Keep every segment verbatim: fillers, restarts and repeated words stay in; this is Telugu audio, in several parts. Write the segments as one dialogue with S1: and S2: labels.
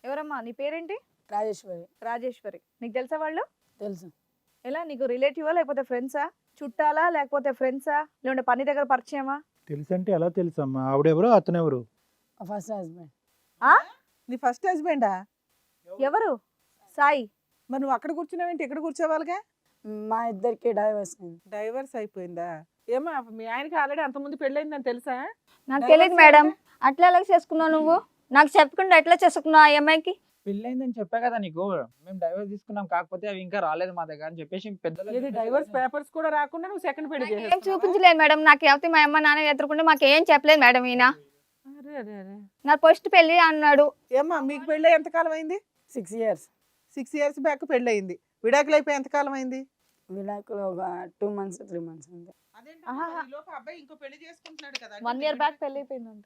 S1: ఎవరమ్మా నీ పేరేంటి?
S2: రాజేశ్వరి.
S1: రాజేశ్వరి. నీకు తెలుసా వాళ్ళు?
S2: తెలుసు.
S1: ఎలా నీకు రిలేటివా లేకపోతే ఫ్రెండ్సా? చుట్టాలా లేకపోతే ఫ్రెండ్సా? లేదంటే పని దగ్గర పరిచయమా?
S3: తెలుసంటే ఎలా తెలుసమ్మా? ఆవిడెవరు అతనెవరు?
S2: మా ఫస్ట్ హస్బెండ్.
S1: ఆ?
S4: నీ ఫస్ట్ హస్బెండా?
S1: ఎవరు? సాయి.
S4: మరి నువ్వు అక్కడ కూర్చున్నావేంటి ఇక్కడ కూర్చోవాలిగా?
S2: మా ఇద్దరికి డైవర్స్ అయింది.
S4: డైవర్స్ అయిపోయిందా? ఏమో మీ ఆయనకి ఆల్రెడీ అంతకుముందు పెళ్ళయిందని తెలుసా?
S5: నాకు తెలియదు మేడం. అట్లా ఎలా చేసుకున్నావు నువ్వు? నాకు చెప్పకుండా ఎట్లా చేసుకున్నావు ఆ అమ్మాయికి?
S6: పెళ్ళైందని చెప్పా కదా నీకు, మేము డైవర్స్ తీసుకున్నాం, కాకపోతే అవి ఇంకా రాలేదు మా దగ్గర అని చెప్పేసి పెద్దలు
S4: ఇది డైవర్స్ పేపర్స్ కూడా రాకుండా నువ్వు సెకండ్ పెళ్లి
S5: ఏం
S4: చేసేసుకున్నావా?
S5: చూపించలేదు మేడం. నాకు ఎవరి మా అమ్మ నాన్న ఎదుర్కొంటే మాకు ఏం చెప్పలేదు మేడం. ఈయన
S4: అరే అరే అరే.
S5: నా ఫస్ట్ పెళ్లి అన్నాడు.
S4: ఏమ్మా మీకు పెళ్ళి ఎంతకాలం అయింది?
S2: Six years.
S4: Six years back పెళ్ళి అయింది. విడాకులు అయిపోయి ఎంతకాలం అయింది?
S2: విడాకులు ఒక టూ మంత్స్ త్రీ మంత్స్ అంతే.
S1: ఆహా.
S4: అబ్బాయి ఇంకో పెళ్లి చేసుకుంటున్నాడు కదా?
S1: వన్ ఇయర్ బ్యాక్ పెళ్లి అయిపోయిందంట.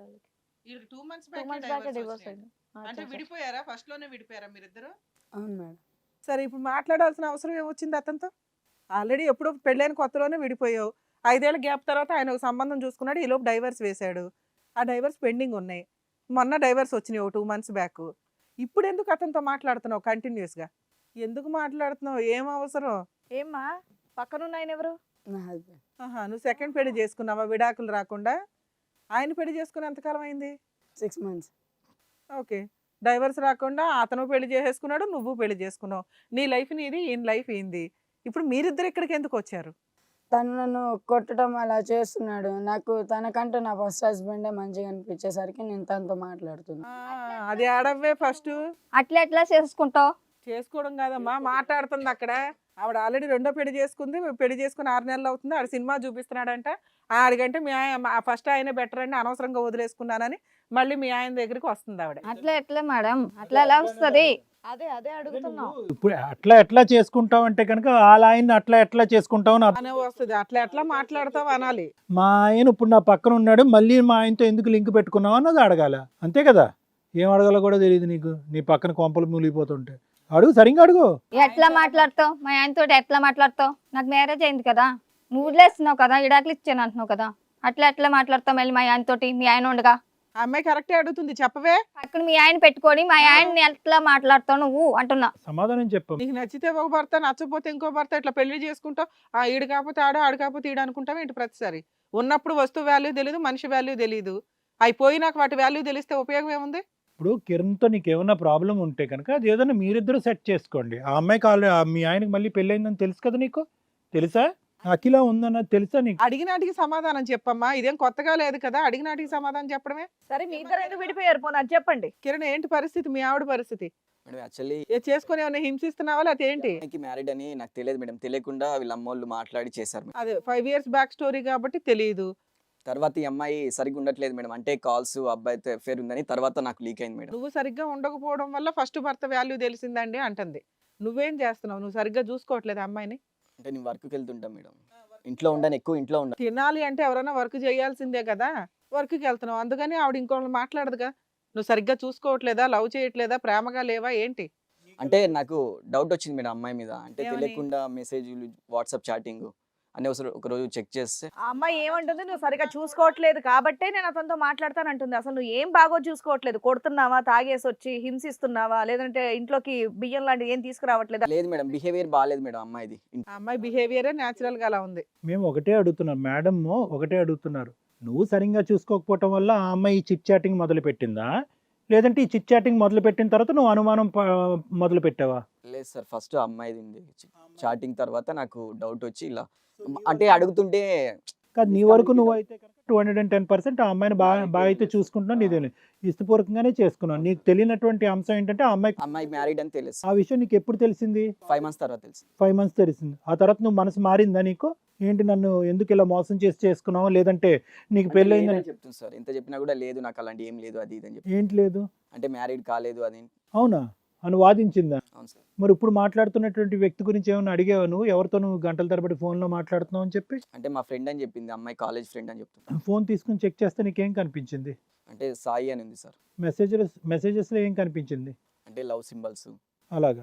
S4: Two months
S1: two months back divorce అయింది.
S4: అంటే విడిపోయారా? ఫస్ట్ లోనే విడిపోయారా మీరిద్దరు?
S2: అవును మేడం.
S4: సరే ఇప్పుడు మాట్లాడాల్సిన అవసరం ఏమొచ్చింది అతనితో? ఆల్రెడీ ఎప్పుడో పెళ్ళైన కొత్తలోనే విడిపోయావు. ఐదేళ్ల గ్యాప్ తర్వాత ఆయన ఒక సంబంధం చూసుకున్నాడు. ఈలోపు డైవర్స్ వేశాడు. ఆ డైవర్స్ పెండింగ్ ఉన్నాయి. మొన్న డైవర్స్ వచ్చినాయి ఒక టూ మంత్స్ బ్యాక్. ఇప్పుడు ఎందుకు అతనితో మాట్లాడుతున్నావు కంటిన్యూస్గా? ఎందుకు మాట్లాడుతున్నావు? ఏం అవసరం?
S1: ఏమ్మా పక్కనున్న ఆయన ఎవరు?
S2: నా హస్బెండ్.
S4: ఆహా, నువ్వు సెకండ్ పెళ్లి చేసుకున్నావా విడాకులు రాకుండా? ఆయన పెళ్లి చేసుకుని ఎంతకాలం అయింది?
S2: Six months.
S4: ఓకే. డైవర్స్ రాకుండా అతను పెళ్లి చేసేసుకున్నాడు, నువ్వు పెళ్లి చేసుకున్నావు. నీ లైఫ్ నీది, ఈయన లైఫ్ ఏంది? ఇప్పుడు మీరిద్దరు ఇక్కడికి ఎందుకు వచ్చారు?
S2: తను నన్ను కొట్టడం అలా చేస్తున్నాడు. నాకు తనకంటే నా ఫస్ట్ హస్బెండే మంచిగా అనిపించేసరికి నేను తనతో మాట్లాడుతున్నా.
S4: ఆ, అది ఆడవే ఫస్ట్.
S5: అట్లా ఎట్లా చేసుకుంటావు?
S4: చేసుకోవడం కాదమ్మా, మాట్లాడుతుంది అక్కడ. ఆవిడ ఆల్రెడీ రెండో పెళ్లి చేసుకుంది. పెళ్లి చేసుకుని ఆరు నెలలు అవుతుంది. ఆడ సినిమా చూపిస్తున్నాడంట. ఆడికంటే మీ ఆయన ఫస్ట్ ఆయనే బెటర్ అండి, అనవసరంగా వదిలేసుకున్నానని మళ్ళీ మీ ఆయన దగ్గరికి వస్తుంది ఆవిడ.
S5: అట్లా ఎట్లా మేడం? అట్లా ఎలా వస్తుంది?
S1: అదే అదే అడుగుతున్నావు.
S3: ఇప్పుడు అట్లా ఎట్లా చేసుకుంటావు అంటే కనుక వాళ్ళ ఆయన్ని అట్లా ఎట్లా చేసుకుంటావు అని అర్థం.
S4: అనే వస్తుంది. అట్లా ఎట్లా మాట్లాడతావు అనాలి.
S3: మా ఆయన ఇప్పుడు నా పక్కన ఉన్నాడు, మళ్ళీ మా ఆయనతో ఎందుకు లింక్ పెట్టుకున్నావు అన్నది అడగాల. అంతే కదా? ఏం అడగాలో కూడా తెలియదు నీకు. నీ పక్కన కొంపలు మూలిగిపోతుంటే అడుగు, సరిగ్గా అడుగు.
S5: ఎట్లా మాట్లాడతావు? మా ఆయనతో ఎట్లా మాట్లాడతావు? నాకు మ్యారేజ్ అయింది కదా, నువ్వు వదిలేస్తున్నావు కదా, ఇడాకులు ఇచ్చాను అంటున్నావు కదా. అట్లా ఎట్లా మాట్లాడతావు మళ్ళీ మా ఆయనతోటి? మీ ఆయన ఉండగా
S4: ఆ అమ్మాయి కరెక్టే అడుగుతుంది, చెప్పవే.
S5: పక్కన మీ ఆయన పెట్టుకొని మా ఆయన్ని ఎట్లా మాట్లాడతావు నువ్వు అంటున్నా.
S3: సమాధానం చెప్పు.
S4: నీకు నచ్చితే ఒక భర్త, నచ్చపోతే ఇంకో భర్త, ఇట్లా పెళ్లి చేసుకుంటావు. ఆ ఈడు కాకపోతే ఆడు, ఆడు కాకపోతే ఈడు అనుకుంటావు ఏంటి ప్రతిసారి? ఉన్నప్పుడు వస్తువు వాల్యూ తెలియదు, మనిషి వాల్యూ తెలియదు. అయిపోయి నాకు వాటి వాల్యూ తెలిస్తే ఉపయోగం ఏముంది?
S3: ఇప్పుడు కిరణ్తో నీకు ఏమైనా ప్రాబ్లం ఉంటే కనుక అది ఏదైనా మీరిద్దరు సెట్ చేసుకోండి. ఆ అమ్మాయికి ఆల్రెడీ మీ ఆయనకి మళ్ళీ పెళ్ళయిందని తెలుసు కదా నీకు? తెలుసా? అఖిల ఉందన్నది తెలుసా నీకు?
S4: అడిగినాటికి సమాధానం చెప్పమ్మా. ఇదేం కొత్తగా లేదు కదా, అడిగినాటికి సమాధానం చెప్పడమే.
S1: సరే మీ ఇద్దరు ఎందుకు విడిపోయారు? పోనీ అది చెప్పండి.
S4: కిరణ్ ఏంటి పరిస్థితి? మీ ఆవిడ పరిస్థితి
S7: మేడం యాక్చువల్లీ
S4: ఏ చేసుకుని ఏమైనా హింసిస్తున్నావా లేకపోతే ఏంటి?
S7: అమ్మాయికి మ్యారీడ్ అని నాకు తెలియదు మేడం. తెలియకుండా వీళ్ళ అమ్మోళ్ళు మాట్లాడి చేశారు మేడం.
S4: అదే ఫైవ్ ఇయర్స్ బ్యాక్ స్టోరీ కాబట్టి తెలియదు.
S7: తర్వాత ఈ అమ్మాయి సరిగ్గా ఉండట్లేదు మేడం. అంటే కాల్స్ అబ్బాయితో అఫేర్ ఉందని తర్వాత నాకు లీక్ అయింది మేడం.
S4: నువ్వు సరిగ్గా ఉండకపోవడం వల్ల ఫస్ట్ భర్త వాల్యూ తెలిసిందండి అంటుంది. నువ్వేం చేస్తున్నావు? నువ్వు సరిగ్గా చూసుకోవట్లేదు అమ్మాయిని.
S7: అంటే నేను వర్క్కి వెళ్తుంటాం మేడం. ఇంట్లో ఉండను, ఎక్కువ ఇంట్లో ఉండను.
S4: తినాలి అంటే ఎవరైనా వర్క్ చేయాల్సిందే కదా, వర్క్కి వెళ్తున్నావు. అందుకని ఆవిడ ఇంకోళ్ళు మాట్లాడదుగా. నువ్వు సరిగ్గా చూసుకోవట్లేదా, లవ్ చేయట్లేదా, ప్రేమగా లేవా ఏంటి?
S7: అంటే నాకు డౌట్ వచ్చింది మేడం అమ్మాయి మీద. అంటే
S4: ఏమని?
S7: తెలియకుండా మెసేజ్లు, వాట్సాప్ చాటింగ్ అని ఒక రోజు చెక్ చేస్తే
S1: ఆ అమ్మాయి ఏమంటుంది? నువ్వు సరిగా చూసుకోవట్లేదు కాబట్టే నేను అతనితో మాట్లాడతాను అంటుంది. అసలు నువ్వు ఏం బాగో చూసుకోవట్లేదు. కొడుతున్నావా, తాగేసి వచ్చి హింసిస్తున్నావా, లేదంటే ఇంట్లోకి బియ్యం లాంటివి ఏం తీసుకురావట్లేదా?
S7: లేదు మేడం, బిహేవియర్ బాగాలేదు మేడం అమ్మాయిది.
S4: ఆ అమ్మాయి బిహేవియరే న్యాచురల్ గా అలా ఉంది.
S3: మేము ఒకటే అడుగుతున్నాం మేడం, ఒకటే అడుగుతున్నారు. నువ్వు సరిగ్గా చూసుకోకపోవటం వల్ల ఆ అమ్మాయి ఈ చిట్ చాటింగ్ మొదలు పెట్టిందా, లేదంటే ఈ చిట్ చాటింగ్ మొదలు పెట్టిన తర్వాత నువ్వు అనుమానం ప- మొదలు పెట్టావా?
S7: లేదు సార్, ఫస్ట్ అమ్మాయిది ఉంది చాటింగ్. తర్వాత నాకు డౌట్ వచ్చి ఇలా అంటే అడుగుతుంటే
S3: కాదు, నీ వరకు నువ్వు అయితే two hundred and ten percent ఆ అమ్మాయిని బాగా బాగా అయితే చూసుకుంటున్నావు. నీదే ఇష్టపూర్వకంగానే చేసుకున్నావు. నీకు తెలియనటువంటి అంశం ఏంటంటే ఆ అమ్మాయి
S7: అమ్మాయి మ్యారీడ్ అని తెలుసు.
S3: ఆ విషయం నీకు ఎప్పుడు తెలిసింది?
S7: ఫైవ్ మంత్స్ తర్వాత తెలుసు.
S3: ఫైవ్ మంత్స్ తెలిసింది. ఆ తర్వాత నువ్వు మనసు మారిందా నీకు? ఏంటి నన్ను ఎందుకు ఇలా మోసం చేసి చేసుకున్నావు, లేదంటే నీకు పెళ్ళయిందని
S7: చెప్తుంది సార్. ఎంత చెప్పినా కూడా లేదు, నాకు అలాంటి ఏం లేదు అది ఇది అని చెప్పి.
S3: ఏంటి లేదు?
S7: అంటే మ్యారీడ్ కాలేదు అది.
S3: అవునా అని వాదించిందా?
S7: అవును సార్.
S3: మరి ఇప్పుడు మాట్లాడుతున్నటువంటి వ్యక్తి గురించి ఏమైనా అడిగావా నువ్వు? ఎవరితో నువ్వు గంటల తరబడి ఫోన్లో మాట్లాడుతున్నావు అని చెప్పి?
S7: అంటే మా ఫ్రెండ్ అని చెప్పింది, అమ్మాయి కాలేజ్ ఫ్రెండ్ అని చెప్తుంది.
S3: ఫోన్ తీసుకుని చెక్ చేస్తే నీకేం కనిపించింది?
S7: అంటే సాయి అని ఉంది సార్.
S3: మెసేజెస్ మెసేజెస్లో ఏం కనిపించింది?
S7: అంటే లవ్ సింబల్స్
S3: అలాగా.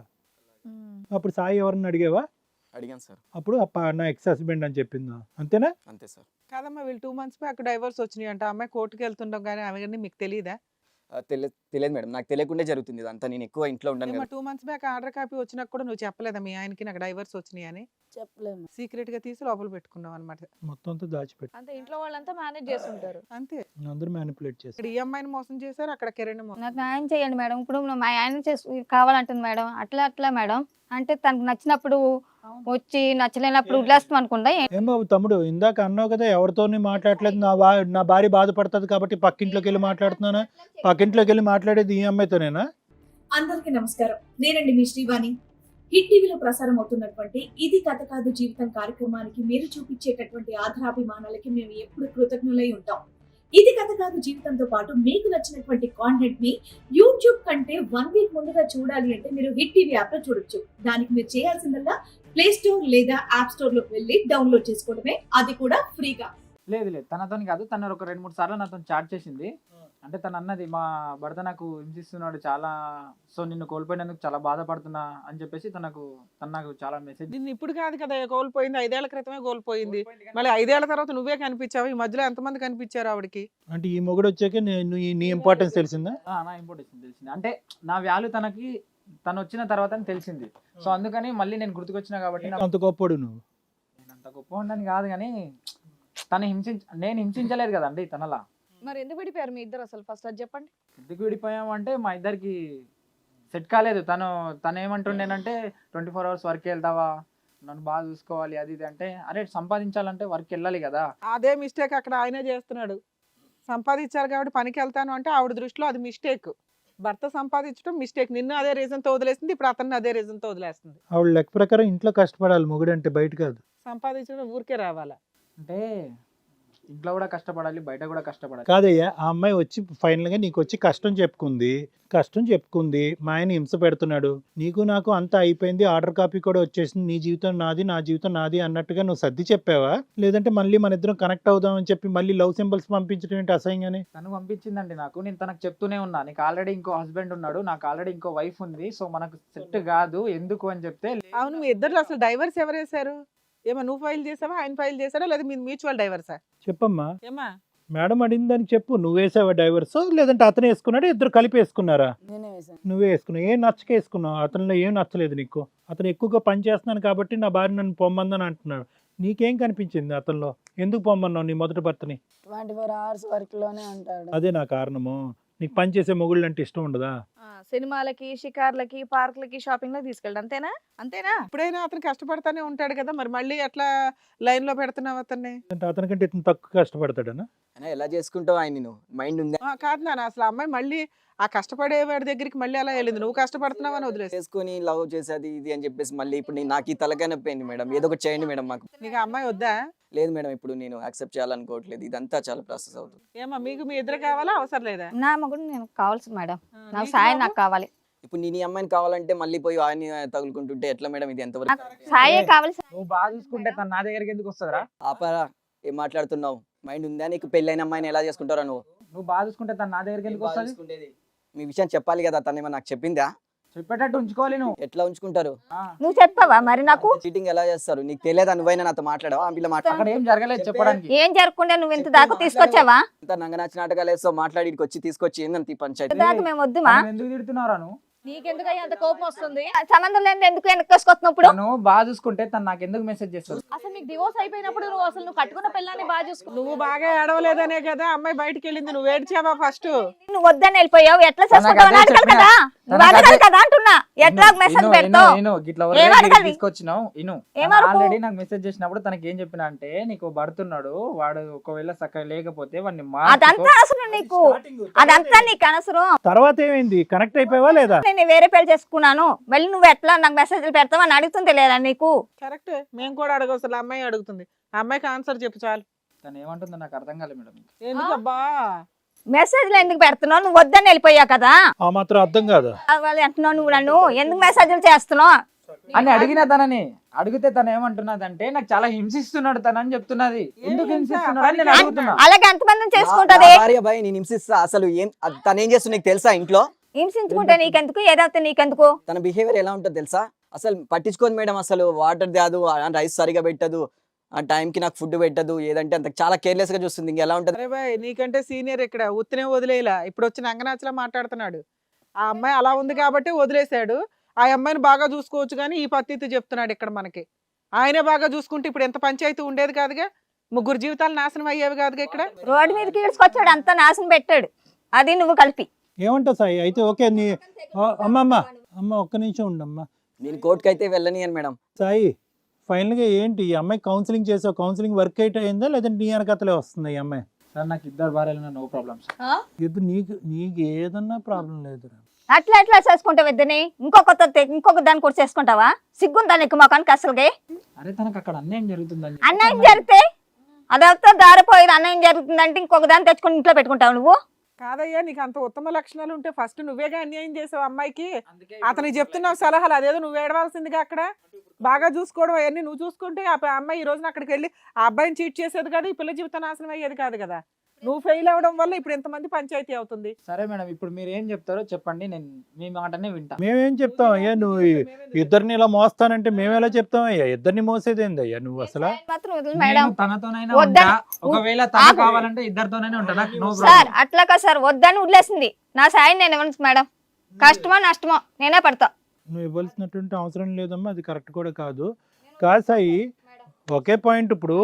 S3: అప్పుడు సాయి ఎవరిని అడిగావా?
S7: అడిగాను సార్.
S3: అప్పుడు ఆ ప- నా ఎక్స్ హస్బెండ్ అని చెప్పిందా? అంతేనా?
S7: అంతే సార్.
S4: కాదమ్మా, వీళ్ళు టూ మంత్స్ బ్యాక్ డైవర్స్ వచ్చినాయి అంట. అమ్మాయి కోర్టుకి వెళ్తుండడం కానీ అవన్నీ మీకు తెలియదా?
S7: ఆ, తెలి తెలియదు మేడం, నాకు తెలియకుండా జరుగుతుంది ఇదంతా. నేను ఎక్కువ ఇంట్లో ఉండను కదా.
S4: Two months back order copy వచ్చినాక కూడా నువ్వు చెప్పలేదా మీ ఆయనకి నాకు డైవర్స్ వచ్చినాయి అని?
S2: చెప్పలేము.
S4: సీక్రెట్ గా తీసి లోపల పెట్టుకున్నావు అనమాట.
S3: మొత్తం అంతా దాచిపెట్టి
S1: అంతే, ఇంట్లో వాళ్ళంతా మేనేజ్ చేస్తుంటారు.
S4: అంతే.
S3: అందరూ మ్యానిపులేట్ చేసి
S4: ఇక్కడ ఈ అమ్మాయిని మోసం చేశారు, అక్కడ కిరణ్ మోసం.
S5: నాకు న్యాయం చేయండి మేడం. ఇప్పుడు మా ఆయన చేసి కావాలంటుంది మేడం. అట్లా అట్లా మేడం అంటే తనకు నచ్చినప్పుడు వచ్చి నచ్చలేనప్పుడు వదిలేస్తాం అనుకుందా?
S3: ఏం బాబు తమ్ముడు, ఇందాక అన్నావు కదా ఎవరితోని మాట్లాడలేదు, నా బా నా భార్య బాధపడుతుంది కాబట్టి పక్కింట్లోకి వెళ్ళి మాట్లాడుతున్నానా? పక్కింట్లోకి వెళ్ళి మాట్లాడేది ఈ అమ్మాయితోనేనా?
S8: అందరికీ నమస్కారం. నేనండి మీ శ్రీవాణి. హిట్ టీవీలో ప్రసారం అవుతున్నటువంటి ఇది కథ కాదు జీవితం కార్యక్రమానికి మీరు చూపించేటటువంటి ఆధారాభిమానాలకి మేము ఎప్పుడు కృతజ్ఞులై ఉంటాం. ఇది కథ కాదు జీవితంతో పాటు మీకు నచ్చినటువంటి కాంటెంట్ ని యూట్యూబ్ కంటే వన్ వీక్ ముందుగా చూడాలి అంటే మీరు హిట్ టీవీ యాప్ లో చూడొచ్చు. దానికి మీరు చేయాల్సిందల్లా ప్లే స్టోర్ లేదా యాప్ స్టోర్ లోకి వెళ్ళి డౌన్లోడ్ చేసుకోవడమే, అది కూడా ఫ్రీగా.
S6: లేదు లేదు తనతో కాదు, తను ఒక రెండు మూడు సార్లు నాతో చాట్ చేసింది. అంటే తను అన్నది మా భర్త నాకు హింసిస్తున్నాడు చాలా, సో నిన్ను కోల్పోయినందుకు చాలా బాధపడుతున్నా అని చెప్పేసి తనకు తను నాకు చాలా మెసేజ్.
S4: నిన్ను ఇప్పుడు కాదు కదా కోల్పోయింది, ఐదేళ్ల క్రితమే కోల్పోయింది. మళ్ళీ ఐదేళ్ల తర్వాత నువ్వే కనిపించావు. ఈ మధ్యలో ఎంతమంది కనిపించారు ఆవిడకి?
S3: అంటే ఈ మొగుడు వచ్చాక నేను ఈ- నీ ఇంపార్టెన్స్ తెలిసిందా?
S6: ఆ, నా ఇంపార్టెన్స్ తెలిసింది. అంటే నా వాల్యూ తనకి తను వచ్చిన తర్వాత తెలిసింది. సో అందుకని మళ్ళీ నేను గుర్తుకొచ్చినా కాబట్టి నాకు-
S3: అంత గొప్పడు నువ్వు.
S6: నేను అంత గొప్ప ఉండని కాదు కానీ తను హింసించ నేను హింసించలేదు కదండి తనలా.
S1: మరి ఎందుకు విడిపోయారు మీ ఇద్దరు అసలు? ఫస్ట్ అది చెప్పండి.
S6: ఎందుకు విడిపోయామంటే మా ఇద్దరికి సెట్ కాలేదు. తను తను ఏమంటుండేనంటే ట్వంటీ ఫోర్ అవర్స్ వర్క్ వెళ్తావా, నన్ను బాగా చూసుకోవాలి అది ఇది అంటే, అరే సంపాదించాలంటే వర్క్ వెళ్ళాలి కదా.
S4: అదే మిస్టేక్ అక్కడ ఆయనే చేస్తున్నాడు. సంపాదించారు కాబట్టి పనికి వెళ్తాను అంటే ఆవిడ దృష్టిలో అది మిస్టేక్. భర్త సంపాదించడం మిస్టేక్. నిన్ను అదే రీజన్ తో వదిలేసింది, ఇప్పుడు అతన్ని అదే రీజన్ తో వదిలేస్తుంది.
S3: ఆవిడ లెక్క ప్రకారం ఇంట్లో కష్టపడాలి మొగుడు అంటే, బయట కాదు.
S4: సంపాదించడం ఊరికే రావాలా?
S6: అంటే ఇంట్లో కూడా కష్టపడాలి, బయట కూడా కష్టపడాలి.
S3: కాదయ్యా, ఆ అమ్మాయి వచ్చి ఫైనల్ గా నీకు వచ్చి కష్టం చెప్పుకుంది కష్టం చెప్పుకుంది మా ఆయన హింస పెడుతున్నాడు, నీకు నాకు అంతా అయిపోయింది, ఆర్డర్ కాపీ కూడా వచ్చేసింది, నీ జీవితం నాది నా జీవితం నాది అన్నట్టుగా నువ్వు సర్ది చెప్పావా? లేదంటే మళ్ళీ మన ఇద్దరం కనెక్ట్ అవుదాం అని చెప్పి మళ్ళీ లవ్ సింబల్స్ పంపించడం ఏంటి అసహ్యంగానే?
S6: తను పంపించిందండి నాకు. నేను తనకు చెప్తూనే ఉన్నా, నీకు ఆల్రెడీ ఇంకో హస్బెండ్ ఉన్నాడు, నాకు ఆల్రెడీ ఇంకో వైఫ్ ఉంది, సో మనకు సెట్ కాదు ఎందుకు అని చెప్తే.
S4: అవును, మీ ఇద్దరు అసలు డైవర్స్ ఎవరు వేశారు? ఏమో నువ్వు ఫైల్ చేసావా, ఆయన ఫైల్ చేశాడా, లేదా మీ మ్యూచువల్ డైవర్సా?
S3: చెప్పమ్మా,
S4: ఏమా
S3: మేడం అడిగిన దానికి చెప్పు. నువ్వు వేసావా డైవర్స్, లేదంటే అతను వేసుకున్నాడు, ఇద్దరు కలిపి వేసుకున్నారా?
S2: నేనే వేసాను.
S3: నువ్వే వేసుకున్నావు. ఏం నచ్చక వేసుకున్నావు? అతనిలో ఏం నచ్చలేదు నీకు? అతను ఎక్కువగా పని చేస్తున్నాను కాబట్టి నా భార్య నన్ను పొమ్మందని అంటున్నాడు. నీకేం కనిపించింది అతనిలో? ఎందుకు పొమ్మన్నావు నీ మొదటి భర్తని?
S2: ట్వంటీ ఫోర్ అవర్స్ వర్క్ లోనే ఉంటాడు.
S3: అదే నా కారణము. నీకు పని చేసే మొగుళ్ళు అంటే ఇష్టం ఉండదా?
S1: ఆ, సినిమాలకి, షికార్లకి, పార్కులకి, షాపింగ్ లకి తీసుకెళ్ళి అంతేనా? అంతేనా?
S4: ఇప్పుడైనా అతను కష్టపడతానే ఉంటాడు కదా, మరి మళ్ళీ ఎట్లా లైన్ లో పెడుతున్నావు అతన్ని?
S3: అంటే అతనికంటే ఇతను తక్కువ కష్టపడతాడనా?
S7: అయినా ఎలా చేసుకుంటావు ఆయన? నేను మైండ్ ఉందా?
S4: ఆ, కాదు నాన్న, అసలు ఆ అమ్మాయి మళ్ళీ ఆ కష్టపడే వాడి దగ్గరికి మళ్ళీ అలా వెళ్ళింది. నువ్వు కష్టపడుతున్నావు అని వదిలేసి
S7: చేసుకొని లవ్ చేసేది ఇది అని చెప్పేసి మళ్ళీ ఇప్పుడు నేను నాకు ఈ తలకాయ నొప్పి అయింది మేడం. ఏదో ఒకటి చేయండి మేడం మాకు.
S4: నీకు ఆ అమ్మాయి వద్దా?
S7: లేదు మేడం, ఇప్పుడు నేను యాక్సెప్ట్ చేయాలనుకోవట్లేదు. ఇదంతా చాలా ప్రాసెస్ అవుతుంది.
S4: ఏమా మీకు మీ ఇద్దరు కావాలా, అవసరం లేదా?
S5: నా మగుడు నేను కావాల్సింది మేడం. నాకు
S4: నీకు
S5: సాయం
S4: బాబు?
S5: నాకు కావాలి.
S7: ఇప్పుడు నేను ఈ అమ్మాయిని కావాలంటే మళ్ళీ పోయి ఆయన తగులుకుంటుంటే ఎట్లా మేడం? ఇది ఎంతవరకు?
S5: నాకు సాయే కావాలి.
S6: నువ్వు బాగా చూసుకుంటే తను నా దగ్గరికి ఎందుకు వస్తుందిరా?
S7: ఆపరా, ఏం మాట్లాడుతున్నావు? మైండ్ ఉందా నీకు? పెళ్ళైన అమ్మాయిని ఎలా చేసుకుంటారా నువ్వు?
S6: నువ్వు బాగా చూసుకుంటే తను నా దగ్గరికి ఎందుకు వస్తుంది?
S7: మీ విషయం చెప్పాలి కదా, తను ఏమన్నా నాకు చెప్పిందా?
S6: చెప్పేటట్టు ఉంచుకోవాలి నువ్వు.
S7: ఎట్లా ఉంచుకుంటారు?
S6: ఆ,
S5: నువ్వు చెప్పావా మరి నాకు?
S7: చీటింగ్ ఎలా చేస్తారు? నీకు తెలియదా? నువ్వైనా నాతో మాట్లాడవా? ఆ పిల్ల
S6: అక్కడ
S7: మాట్లాడ
S6: ఏం జరగలేదు చెప్పడానికి.
S5: ఏం జరగకుండా నువ్వు ఇంత దాకా తీసుకొచ్చావా?
S7: నంగనాచి నాటకాలు వేస్తావు, మాట్లాడి ఇక్కడికి వచ్చి తీసుకొచ్చి ఏందంత ఈ పంచాయతీ?
S5: ఇంత దాకా మేము వద్దుమా?
S6: తను ఎందుకు తిడుతున్నారా నువ్వు?
S1: నీకెందుకు అంత కోపం వస్తుంది?
S5: సంబంధం లేని ఎందుకు వెనక్కొసుకొస్తున్నప్పుడు?
S6: తను బాగా చూసుకుంటే తను నాకు ఎందుకు మెసేజ్ చేస్తుంది?
S1: అసలు నీకు డివోర్స్ అయిపోయినప్పుడు నువ్వు అసలు నువ్వు కట్టుకున్న పిల్లాన్ని బాగా చూసుకో.
S4: నువ్వు బాగా ఏడవలేదనే కదా అమ్మాయి బయటికి వెళ్ళింది. నువ్వు ఏడ్చావా ఫస్ట్?
S5: నువ్వు వద్దని వెళ్ళిపోయావు, ఎట్లా
S6: తనకు
S5: చేసుకుంటావు
S6: అదే
S5: అడగాలి
S6: చెప్పినా.
S5: కదా? నువ్వు
S6: తనకు
S5: అడగాలి
S6: అదే-
S5: కదా అంటున్నా. ఎట్లా మెసేజ్ పెడతావు? ఏం అడగాలి?
S6: తీసుకొచ్చినావు ఇను.
S5: ఏం అడుగు?
S6: ఆల్రెడీ నాకు మెసేజ్ చేసినప్పుడు తనకి ఏం చెప్పినా అంటే, నీకు భర్తున్నాడు, వాడు ఒకవేళ చక్కగా లేకపోతే వాడిని
S5: అదంతా అవసరం నీకు, అదంతా నీకు అనవసరం.
S3: తర్వాత ఏమైంది? కనెక్ట్ అయిపోయావా లేదా?
S5: నేను వేరే పెళ్లి చేసుకున్నాను, మళ్ళీ నువ్వు ఎట్లా నాకు మెసేజ్లు పెడతావు అని అడుగుతుంది లేదా నీకు?
S4: కరెక్ట్, మేము కూడా అడగవసలు. అమ్మాయి అడుగుతుంది, ఆ అమ్మాయికి ఆన్సర్ చెప్పు చాలు.
S6: తను ఏమంటుందో నాకు అర్థం కాలేదు మేడం.
S4: ఎందుకబ్బా
S5: మెసేజ్లు ఎందుకు పెడుతున్నావు? నువ్వు వద్దని వెళ్ళిపోయావు కదా,
S3: ఆ మాత్రం అర్థం కాదా?
S5: వాళ్ళు అంటున్నావు నువ్వు నన్ను ఎందుకు మెసేజ్లు చేస్తున్నావు
S6: అని అడిగిన తనని అడిగితే తను ఏమంటున్నదంటే, నాకు చాలా హింసిస్తున్నాడు తను అని చెప్తున్నది. ఎందుకు హింసిస్తున్నాడు అని నేను అడుగుతున్నా.
S5: అలాగే ఎంతమందిని చేసుకుంటది?
S7: నా భార్య భయ నేను హింసిస్తా. అసలు ఏం అది తను ఏం చేస్తుంది నీకు తెలుసా? ఇంట్లో
S5: హింసించుకుంటే నీకెందుకు, ఏదైతే నీకెందుకు?
S7: తన బిహేవియర్ ఎలా ఉంటుందో తెలుసా? అసలు పట్టించుకోదు మేడం. అసలు వాటర్ దాదు, రైస్ సరిగా పెట్టదు, ఆ టైంకి నాకు ఫుడ్ పెట్టదు, ఏదంటే అంత చాలా కేర్లెస్ గా చూస్తుంది. ఇంక ఎలా ఉంటుంది?
S4: అరే బాయ్, నీకంటే సీనియర్ ఇక్కడ ఉత్తినే వదిలేలా, ఇప్పుడు వచ్చి నంగనాచలా మాట్లాడుతున్నాడు. ఆ అమ్మాయి అలా ఉంది కాబట్టి వదిలేశాడు. ఆ అమ్మాయిని బాగా చూసుకోవచ్చు కానీ ఈ పద్ధతి చెప్తున్నాడు ఇక్కడ మనకి. ఆయనే బాగా చూసుకుంటే ఇప్పుడు ఎంత పంచాయతీ ఉండేది కాదుగా, ముగ్గురు జీవితాలు నాశనం అయ్యేవి కాదుగా ఇక్కడ.
S5: రోడ్డు మీదకి ఈడ్చుకొచ్చాడు, అంతా నాశనం పెట్టాడు. అది నువ్వు కలిపి
S3: ఏమంటావు సాయి? అయితే ఓకే నీ ఆ, అమ్మ అమ్మ అమ్మ ఒక్క నిమిషం ఉండమ్మా.
S7: నేను కోర్టుకి అయితే వెళ్ళనియను మేడం.
S3: సాయి ఫైనల్గా ఏంటి ఈ అమ్మాయి కౌన్సిలింగ్ చేసావు, కౌన్సిలింగ్ వర్క్ అయితే అయిందా లేదంటే నీ వెనకతలే వస్తుంది ఈ అమ్మాయి?
S6: సార్ నాకు ఇద్దరు భార్యలు, నో ప్రాబ్లమ్ సార్.
S3: ఇప్పుడు నీకు నీకు ఏదన్నా ప్రాబ్లం లేదురా.
S5: అట్లా ఎట్లా చేసుకుంటావు ఇద్దరిని? ఇంకొక ఇంకొక దాన్ని కూడా చేసుకుంటావా? సిగ్గుందా నీకు మొఖానికి అసలుకి?
S6: అరే తనకు అక్కడ అన్యాయం జరుగుతుందని
S5: అన్యాయం జరిగితే అదంతా దారిపోయేది. అన్యాయం జరుగుతుందంటే ఇంకొక దాన్ని తెచ్చుకొని ఇంట్లో పెట్టుకుంటావు నువ్వు?
S4: కాదయ్యా, నీకు అంత ఉత్తమ లక్షణాలు ఉంటే ఫస్ట్ నువ్వేగా అన్యాయం చేసావు అమ్మాయికి. అతనికి చెప్తున్నావు సలహాలు, అదేదో నువ్వు ఏడవలసిందిగా అక్కడ. బాగా చూసుకోవడం అవన్నీ నువ్వు చూసుకుంటే ఆ ప- అమ్మాయి ఈ రోజున అక్కడికి వెళ్ళి ఆ అబ్బాయిని చీట్ చేసేది కాదు, ఈ పిల్ల జీవితం నాశనం అయ్యేది కాదు కదా. నువ్వు ఫెయిల్ అవ్వడం వల్ల ఇప్పుడు ఎంతమంది పంచాయతీ అవుతుంది.
S6: సరే మేడం, ఇప్పుడు మీరు ఏం చెప్తారో చెప్పండి, నేను మీ మాటనే వింటా.
S3: మేమేం చెప్తాం అయ్యా? నువ్వు ఈ- ఇద్దరిని ఇలా మోస్తానంటే మేమేలా చెప్తాం అయ్యా? ఇద్దరిని మోసేదేంది అయ్యా నువ్వు అసలు?
S5: మాత్రం వదిలి మేడం.
S6: నేను తనతోనైనా
S5: వద్దని-
S6: ఉంటా, ఒకవేళ తన
S5: ఆగు.
S6: కావాలంటే ఇద్దరితోనైనా ఉంటా, నాకు నో
S5: సార్
S6: ప్రాబ్లం.
S5: అట్లా కాదు సార్, వద్దని వదిలేసింది. నా సాయం నేను ఇవ్వను మేడం. కష్టమో నష్టమో నేనే పడతా.
S3: నువ్వు ఇవ్వాల్సినటువంటి అవసరం లేదమ్మా, అది కరెక్ట్ కూడా కాదు. కాదు సాయి, ఒకే పాయింట్. ఇప్పుడు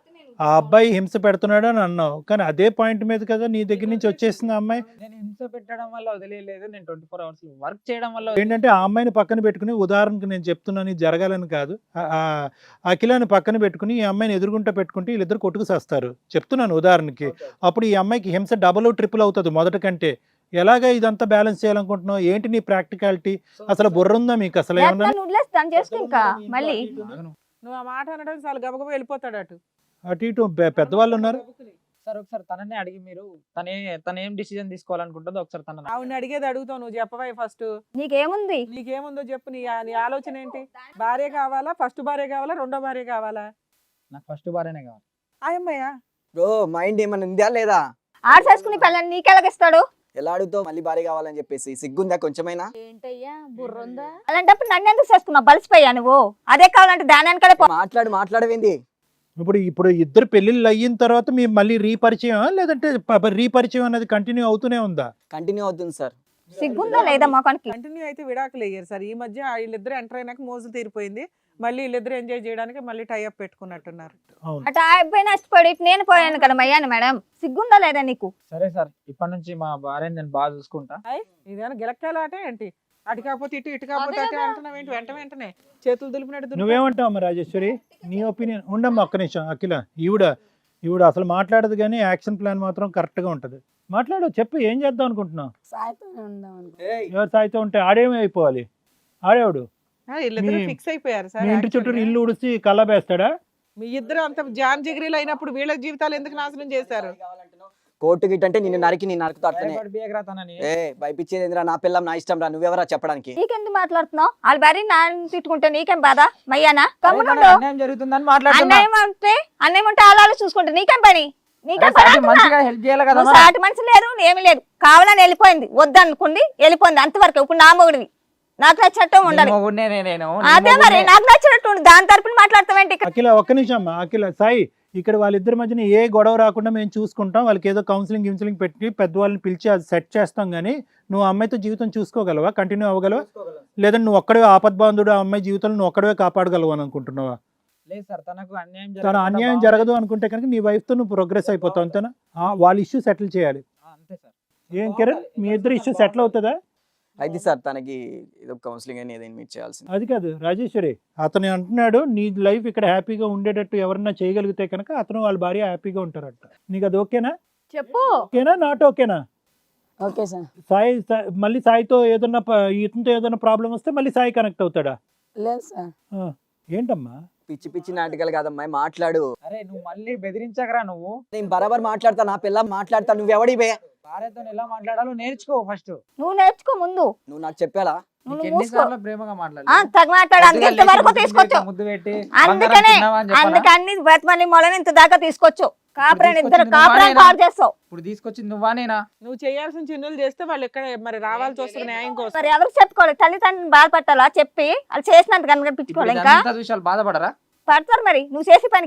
S3: ఆ అబ్బాయి హింస పెడుతున్నాడు అని అన్నావు, కానీ అదే పాయింట్ మీద కదా నీ దగ్గర నుంచి వచ్చేసింది ఆ అమ్మాయి.
S6: నేను హింస పెట్టడం వల్ల వదిలేదు, నేను ట్వంటీ ఫోర్ అవర్స్ వర్క్ చేయడం వల్ల
S3: ఏంటంటే ఆ అమ్మాయిని పక్కన పెట్టుకుని, ఉదాహరణకు నేను చెప్తున్నాను ఇది జరగాలని కాదు, ఆ- ఆ అఖిలాని పక్కన పెట్టుకుని ఈ అమ్మాయిని ఎదురుగుంటా పెట్టుకుంటే వీళ్ళిద్దరు కొట్టుకు చేస్తారు చెప్తున్నాను ఉదాహరణకి. అప్పుడు ఈ అమ్మాయికి హింస డబుల్ ట్రిపుల్ అవుతుంది మొదటి కంటే. ఎలాగ ఇదంతా బ్యాలెన్స్ చేయాలనుకుంటున్నావు? ఏంటి నీ ప్రాక్టికాలిటీ? అసలు బుర్ర ఉందా మీకు అసలు ఏమన్నా?
S5: నన్ను వదిలేసి దాన్ని చేసుకో ఇంకా మళ్ళీ.
S4: నువ్వు ఆ మాట అనడం చాలా గబగబా వెళ్ళిపోతాడు అటు.
S3: అటు ఇటు పె- పెద్దవాళ్ళు ఉన్నారు.
S6: సార్ ఒకసారి తననే అడిగి, మీరు తనే తన ఏం డిసిజన్ తీసుకోవాలనుకుంటుందో ఒకసారి తన
S4: ఆవిడని అడిగేది అడుగుతావు, నువ్వు చెప్పవా ఫస్ట్.
S5: నీకేముంది?
S4: నీకేముందో చెప్పు, నీ నీ ఆలోచన ఏంటి? భార్య కావాలా, ఫస్ట్ భార్య కావాలా, రెండో భార్య కావాలా?
S6: నాకు ఫస్ట్ భార్యనే కావాలి.
S4: ఆ అమ్మాయ్యా
S7: బ్రో మైండ్ ఏమైనా ఉందా లేదా?
S5: ఆడ చేసుకుని పిల్లని నీకెలాగిస్తాడు?
S7: ఎలా అడుగుతావు మళ్ళీ భార్య కావాలని చెప్పేసి? సిగ్గుందా కొంచెమైనా?
S1: ఏంటయ్యా బుర్ర ఉందా?
S5: అలాంటప్పుడు నన్ను ఎందుకు చేసుకున్నావు? బలిసిపోయా నువ్వు. అదే కావాలంటే దాని వెనకాలే పో.
S7: మాట్లాడు మాట్లాడవేంది?
S3: ఇప్పుడు ఇప్పుడు ఇద్దరు పెళ్ళిళ్ళు అయిన తర్వాత మీ మళ్ళీ రీపరిచయం లేదంటే ప- రీపరిచయం అనేది కంటిన్యూ అవుతూనే ఉందా?
S7: కంటిన్యూ అవుతుంది సార్.
S5: సిగ్గుందా లేదా మొఖానికి?
S4: కంటిన్యూ అయితే విడాకులు అయ్యారు సార్. ఈ మధ్య వీళ్ళిద్దరు ఎంటర్ అయినాక మోజు తీరిపోయింది, మళ్ళీ వీళ్ళిద్దరు ఎంజాయ్ చేయడానికి మళ్ళీ టైఅప్ పెట్టుకున్నట్టున్నారు.
S3: అవును.
S5: అటు ఆ అబ్బాయి నష్టపడి ఇటు నేను పోయాను కదా మయ్యాను మేడం. సిగ్గుందా లేదా నీకు?
S6: సరే సార్, ఇప్పటి నుంచి మా భార్యని నేను బాగా చూసుకుంటా.
S4: ఇదేనా గిలక్కాల ఆట ఏంటి? అటు కాకపోతే ఇటు, ఇటు కాకపోతే అటు అంటున్నావు ఏంటి? వెంట వెంటనే చేతులు దులిపినట్టు దులిపి-
S3: నువ్వేమంటావు అమ్మ రాజేశ్వరి? నీ ఒపీనియన్ ఉండమ్మా ఒక్క నిమిషం. అఖిల ఈవిడ ఈవిడ అసలు మాట్లాడదు కానీ యాక్షన్ ప్లాన్ మాత్రం కరెక్ట్గా ఉంటుంది. మాట్లాడు, చెప్పు, ఏం చేద్దాం అనుకుంటున్నావు?
S2: సాయితోనే ఉందాం అనుకో.
S3: ఎవరు సాయితో ఉంటే ఆడేమి అయిపోవాలి? ఆడేవాడు
S4: ఆ, వీళ్ళిద్దరు
S3: మీ-
S4: ఫిక్స్ అయిపోయారు సార్.
S3: మీ ఇంటి చుట్టూ
S4: actually.
S3: ఇల్లు ఉడిచి కళ్ళబేస్తాడా?
S4: మీ ఇద్దరు అంత జాన్ జిగిరీలు అయినప్పుడు వీళ్ళ జీవితాలు ఎందుకు నాశనం చేశారు?
S7: కోర్టు గిట్ అంటే నిన్ను నరికి నేను నరుకుతా అట్లనే.
S6: భయపడి బియ్యకరా తనని.
S7: ఏ భయపించేది ఏందిరా? నా పిల్లం నా ఇష్టం రా, నువ్వెవరా చెప్పడానికి?
S5: నీకెందుకు మాట్లాడుతున్నావు? వాళ్ళ భార్య నాన్న తిట్టుకుంటే నీకేం బాధ? మయ్యానా
S6: అరే
S5: కమ్ముకుంటూ
S6: తనకు అన్యాయం జరుగుతుందని మాట్లాడుతున్నా.
S5: అన్నయ్యం అంటే అన్నయ్యం ఉంటే ఆలాలు చూసుకుంటే నీకేం పని? నీకేం
S6: అరే
S5: పని
S6: సాటి
S5: అంటున్నా?
S6: మంచిగా హెల్ప్ చేయాలి కదా
S5: నువ్వు
S6: మరి.
S5: సాటి మనిషి లేదు ఏమి లేదు, కావాలని వెళ్ళిపోయింది, వద్దనుకుంది వెళ్ళిపోయింది అంతవరకు. ఇప్పుడు నా మొగుడివి, నాకు నచ్చినట్టు ఉండాలి.
S6: నీ మొగుడినే నేను, నీ
S5: అదే మరి
S6: మొగుడినే.
S5: నాకు నచ్చినట్టు ఉండు. దాని తరపున మాట్లాడతావేంటి? ఇక్కడ
S3: అఖిల ఒక్క నిమిషం అమ్మా. అఖిల సాయి, ఇక్కడ వాళ్ళిద్దరి మధ్యన ఏ గొడవ రాకుండా మేము చూసుకుంటాం. వాళ్ళకి ఏదో కౌన్సిలింగ్ గిన్సిలింగ్ పెట్టి పెద్దవాళ్ళని పిలిచి అది సెట్ చేస్తాం. కానీ నువ్వు ఆ అమ్మాయితో జీవితం చూసుకోగలవా? కంటిన్యూ అవ్వగలవా? లేదంటే నువ్వు ఒక్కడే ఆపద్బాంధుడు ఆ అమ్మాయి జీవితంలో నువ్వు ఒక్కడే కాపాడగలవు అని అనుకుంటున్నావా?
S6: లేదు సార్, తనకు అన్యాయం
S3: తన
S6: జరగకుండా
S3: అన్యాయం
S6: బాగుంటుంది.
S3: జరగదు అనుకుంటే కనుక నీ వైఫ్తో నువ్వు ప్రోగ్రెస్ అయిపోతావు అంతేనా? ఆ, వాళ్ళ ఇష్యూ సెటిల్ చేయాలి.
S6: ఆ, అంతే సార్.
S3: ఏం కిరణ్, మీ ఇద్దరు ఇష్యూ సెటిల్ అవుతుందా?
S7: అయితే సార్ తనకి ఏదో కౌన్సిలింగ్ అని ఏదైనా మీట్ చేయాల్సింది.
S3: అది కాదు రాజేశ్వరి, అతను అంటున్నాడు నీ లైఫ్ ఇక్కడ హ్యాపీగా ఉండేటట్టు ఎవరన్నా చేయగలిగితే కనుక అతను వాళ్ళ భార్య హ్యాపీగా ఉంటారట. నీకు అది ఓకేనా?
S1: చెప్పు.
S3: ఓకేనా నాట్ ఓకేనా?
S2: Okay sir.
S3: సాయి సా- మళ్ళీ సాయితో ఏదన్నా ప- ఇతనితో ఏదైనా ప్రాబ్లం వస్తే మళ్ళీ సాయి కనెక్ట్ అవుతాడా?
S2: లేదు సార్.
S3: ఆ, ఏంటమ్మా?
S7: పిచ్చి పిచ్చి నాటకాలు కాదమ్మాయి, మాట్లాడు.
S6: అరే నువ్వు మళ్ళీ బెదిరించకరా. నువ్వు
S7: నేను బరాబర్ మాట్లాడతా, నా పిల్ల మాట్లాడతా. నువ్వెవడి బే?
S6: భార్యతో ఎలా మాట్లాడాలో నేర్చుకో ఫస్ట్.
S5: నువ్వు నేర్చుకో ముందు.
S7: నువ్వు నాకు చెప్పాలా?
S5: నువ్వు
S6: నీకు
S5: మూసుకో.
S6: ఎన్నిసార్లు ప్రేమగా మాట్లాడాలి?
S5: ఆ, తగ్గ మాట్లాడు. అందుకే ఇంతవరకు తీసుకొచ్చు.
S6: ముద్దు పెట్టి
S5: అందుకనే
S6: బంగారం తిన్నావా అని చెప్పనా?
S5: అందుకే అన్ని బతిమని మొలని ఇంత దాకా తీసుకొచ్చు. కాపురాన్ని ఇద్దరు
S6: తీసుకొచ్చింది
S5: కాపురాన్ని
S6: నువ్వా
S5: పాడు చేస్తావు.
S6: ఇప్పుడు తీసుకొచ్చింది నువ్వా నేనా?
S4: నువ్వు చేయాల్సిన చిన్నులు చేస్తే వాళ్ళు ఇక్కడ మరి రావాల్సి వస్తుంది న్యాయం కోసం.
S5: మరి ఎవరికి చెప్పుకోవాలి? తల్లిదండ్రులను బాధపట్టాలా చెప్పి వాళ్ళు చేసినంత కనిపించుకోవాలి. ఇంకా
S6: ఇదంతా చూసి వాళ్ళు బాధపడరా?
S5: పడతారు మరి నువ్వు చేసే పనికి.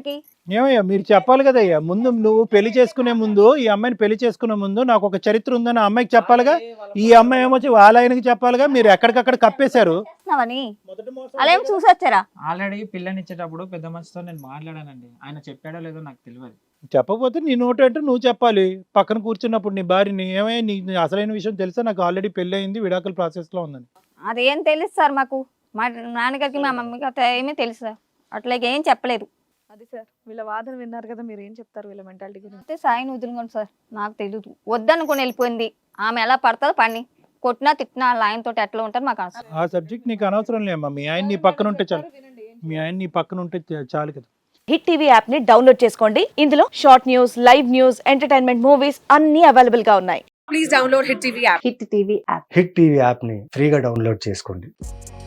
S3: ఏమయ్యా మీరు చెప్పాలి కదయ్యా, ముందు నువ్వు పెళ్లి చేసుకునే ముందు ఈ అమ్మాయిని పెళ్లి చేసుకునే ముందు నాకు ఒక చరిత్ర ఉందని ఆ అమ్మాయికి చెప్పాలిగా, ఈ అమ్మాయి ఏమొచ్చి వాళ్ళ ఆయనకి చెప్పాలిగా, మీరు ఎక్కడికక్కడ కప్పేశారు.
S5: చేస్తున్నావని అలా ఏం చూసి వచ్చారా?
S6: ఆల్రెడీ పిల్లని ఇచ్చేటప్పుడు పెద్ద మనిషితో నేను మాట్లాడానండి, ఆయన చెప్పాడో లేదో నాకు తెలియదు.
S3: చెప్పకపోతే నీ నోటు అంటే నువ్వు చెప్పాలి. పక్కన కూర్చున్నప్పుడు నీ భార్యని ఏమయ్యా నీ అసలైన విషయం తెలుసా, నాకు ఆల్రెడీ పెళ్లి అయింది, విడాకుల ప్రాసెస్ లో ఉందని.
S5: అదేం తెలుసు సార్ మాకు, మా నాన్నగారికి మా మమ్మీకి అట్లా ఏమీ తెలుసు సార్, అట్లా ఏం చెప్పలేదు.
S1: అది సార్ వీళ్ళ వాదన విన్నారు కదా, మీరు ఏం చెప్తారు వీళ్ళ మెంటాలిటీ గురించి?
S5: అయితే సాయిని వదులుకోండి సార్, నాకు తెలియదు, వద్దనుకుని వెళ్ళిపోయింది. ఆమె ఎలా పడుతుందో పని, కొట్టినా తిట్టినా వాళ్ళ ఆయనతో ఎట్లా ఉంటారు మాకు అవసరం.
S3: ఆ సబ్జెక్ట్ నీకు అనవసరం లేమ్మా, మీ ఆయన నీ పక్కన ఉంటే చాలు, మీ ఆయన నీ పక్కన ఉంటే చాలు కదా.
S1: హిట్ టీవీ యాప్ ని డౌన్లోడ్ చేసుకోండి. ఇందులో short news, live news, entertainment movies అన్ని అవైలబుల్ గా ఉన్నాయి.
S9: హిట్ టీవీ యాప్ని ఫ్రీగా డౌన్లోడ్ చేసుకోండి.